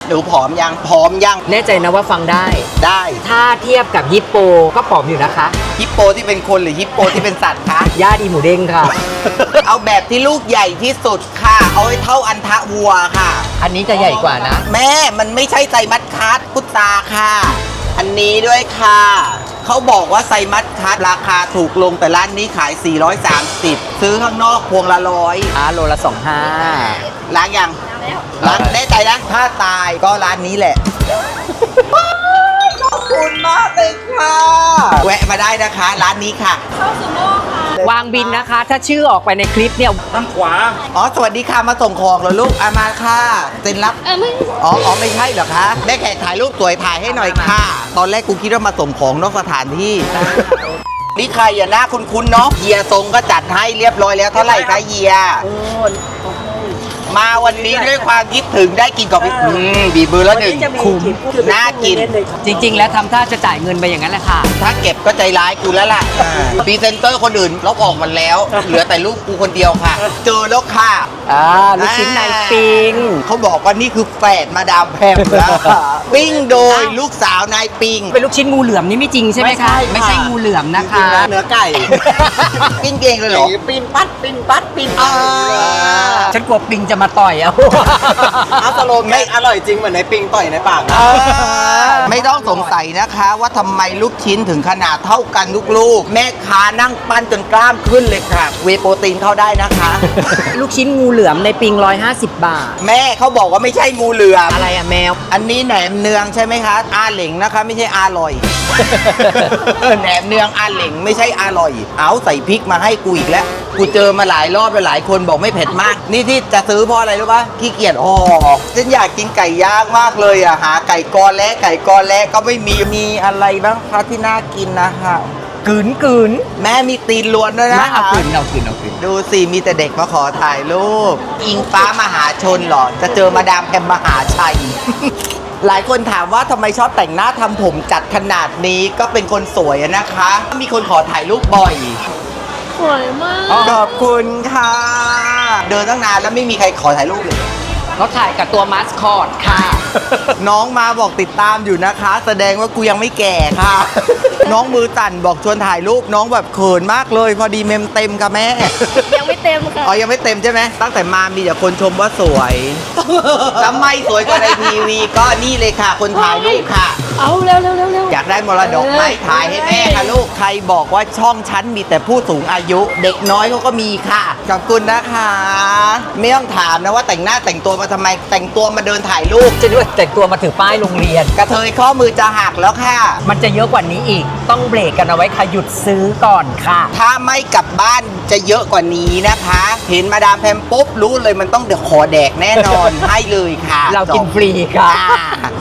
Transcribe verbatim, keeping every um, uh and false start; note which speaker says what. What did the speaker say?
Speaker 1: หนูผอมยังผอมยัง
Speaker 2: แน่ใจนะว่าฟังได้
Speaker 1: ได้
Speaker 2: ถ้าเทียบกับฮิปโปก็ผอมอยู่นะคะ
Speaker 1: ฮิปโปที่เป็นคนหรือฮิปโปที่เป็นสัตว์คะ
Speaker 2: ญาติอีหมูเด้งค่ะ
Speaker 1: เอาแบบที่ลูกใหญ่ที่สุดค่ะเอาให้เท่าอันทะวัวค่ะ
Speaker 2: อันนี้จะใหญ่กว่านะ
Speaker 1: แม่มันไม่ใช่ไซมัสคัสพุตาค่ะอันนี้ด้วยค่ะเขาบอกว่าไซมัสคัสราคาถูกลงแต่ร้านนี้ขายสี่ร้อยสามสิบซื้อข้างนอกพวงละร้อย
Speaker 2: อ่าโลละสองห้า
Speaker 1: ล้างยังล้างแน่ใจนะถ้าตายก็ร้านนี้แหละขอบคุณมากเลยค่ะแวะมาได้นะคะร้านนี้ค่ะ
Speaker 3: เข้าซูโม่ค่ะ
Speaker 2: วางบินนะคะถ้าชื่อออกไปในคลิปเนี่ย
Speaker 4: ทางขวา
Speaker 1: อ๋อสวัสดีค่ะมาส่งของเหรอลูกอามาค่ะเซ็นรับอ๋ออ๋อไม่ใช่เหรอคะได้แขกถ่ายรูปสวยถ่ายให้หน่อยค่ะตอนแรกกูคิดว่ามาส่งของนอกสถานที่นี่ใครอย่าหน้าคุ้นๆเนาะเฮียทรงก็จัดให้เรียบร้อยแล้วเท่าไหร่คะเฮียมาวันนี้ด้วยความคิดถึงได้กินกับพี่บีบือแล้วหนึ่งคุ้มน่ากิน
Speaker 2: จริงๆแล้วทำท่าจะจ่ายเงินไปอย่างนั้นแหละค่ะ
Speaker 1: ถ้าเก็บก็ใจร้ายกูแล้วล่ะพรีเซนเตอร์คนอื่นลบออกหมดแล้วเหลือแต่รูปกูคนเดียวค่ะเจอแล้วค่ะ
Speaker 2: อ่าลูกชิ้นนายปิง
Speaker 1: เขาบอกว่านี่คือแฝดมาดามแพมแล้วปิ้งโดยลูกสาวนายปิง
Speaker 2: เป็นลูกชิ้นงูเหลือมนี่ไม่จริงใช่ไหมคะไม่ใช่งูเหลือมนะคะ
Speaker 1: เนื้อไก่ปิ้งเองเลยเหรอปิ้งปัดปิ้งปัดปิ้ง
Speaker 2: ฉันกลัวปิงจะมาต่อยเอา
Speaker 1: อาสโลมไม่อร่อยจริงเหมือนในปิงต่อยในปากไม่ต้องสงสัยนะคะว่าทำไมลูกชิ้นถึงขนาดเท่ากันทุกลูกแม่ค้านั่งปั้นจนกล้ามขึ้นเลยค่ะเวโปรตีนเข้าได้นะคะ
Speaker 2: ลูกชิ้นงูเหลือมในปิงร้อยห้าสิบบาท
Speaker 1: แม่เขาบอกว่าไม่ใช่งูเหลือม
Speaker 2: อะไรอะแมว
Speaker 1: อันนี้แหนมเนืองใช่ไหมคะอาเหลงนะคะไม่ใช่อาลอยแหนมเนืองอาเหลงไม่ใช่อาลอยเอาใส่พริกมาให้กูอีกแล้วกูเจอมาหลายรอบแล้วหลายคนบอกไม่เผ็ดมากนี่ที่จะซื้อเพราะอะไรรู้ปะขี้เกียจห่อฉันอยากกินไก่ย่างมากเลยอ่ะหาไก่กอและไก่กอและก็ไม่มีมีอะไรบ้างคะที่น่ากินนะคะ
Speaker 2: กึ๋นกึ๋น
Speaker 1: แม่มีตีนล้วนด้วยนะ
Speaker 2: เอากึ๋นเอากึ๋นเอากึ๋น
Speaker 1: ดูสิมีแต่เด็กมาขอถ่ายรูปอิงฟ้ามหาชนหรอจะเจอมาดามแพมมหาชัยหลายคนถามว่าทำไมชอบแต่งหน้าทำผมจัดขนาดนี้ก็เป็นคนสวยนะคะมีคนขอถ่ายรูปบ่อย
Speaker 3: สวยมาก
Speaker 1: ขอบคุณค่ะเดินตั้งนานแล้วไม่มีใครขอถ่ายรูปเลย
Speaker 2: เขาถ่ายกับตัวมาสคอตค่ะ
Speaker 1: น้องมาบอกติดตามอยู่นะคะแสดงว่ากูยังไม่แก่ค่ะน้องมือสั่นบอกชวนถ่ายรูปน้องแบบเขินมากเลยพอดีเมมเต็มค่ะแม่
Speaker 3: ยังไม่เต็มค่ะ
Speaker 1: อ๋อยังไม่เต็มใช่ไหมตั้งแต่มามีแต่คนชมว่าสวยแล้วไม่สวยกว่าในทีวีก็นี่เลยค่ะคนถ่ายรูปค่ะ
Speaker 3: เอาเร็วเร็วเร็วเร็ว
Speaker 1: อยากได้มรดกไหมถ่ายให้แม่ค่ะลูกใครบอกว่าช่องฉันมีแต่ผู้สูงอายุเด็กน้อยเขาก็มีค่ะขอบคุณนะคะไม่ต้องถามนะว่าแต่งหน้าแต่งตัวมาทำไมแต่งตัวมาเดินถ่ายรูป
Speaker 2: จะด้วยแต่งตัวมาถือป้ายโรงเรียน
Speaker 1: กระเทยข้อมือจะหักแล้วค่ะ
Speaker 2: มันจะเยอะกว่านี้อีกต้องเบรกกันเอาไว้ค่ะหยุดซื้อก่อนค่ะ
Speaker 1: ถ้าไม่กลับบ้านจะเยอะกว่านี้นะคะเห็นมาดามแพมปุ๊บรู้เลยมันต้องเดี๋ยวขอแดกแน่นอนให้เลยค่ะ
Speaker 2: เรากินฟรีค่ะ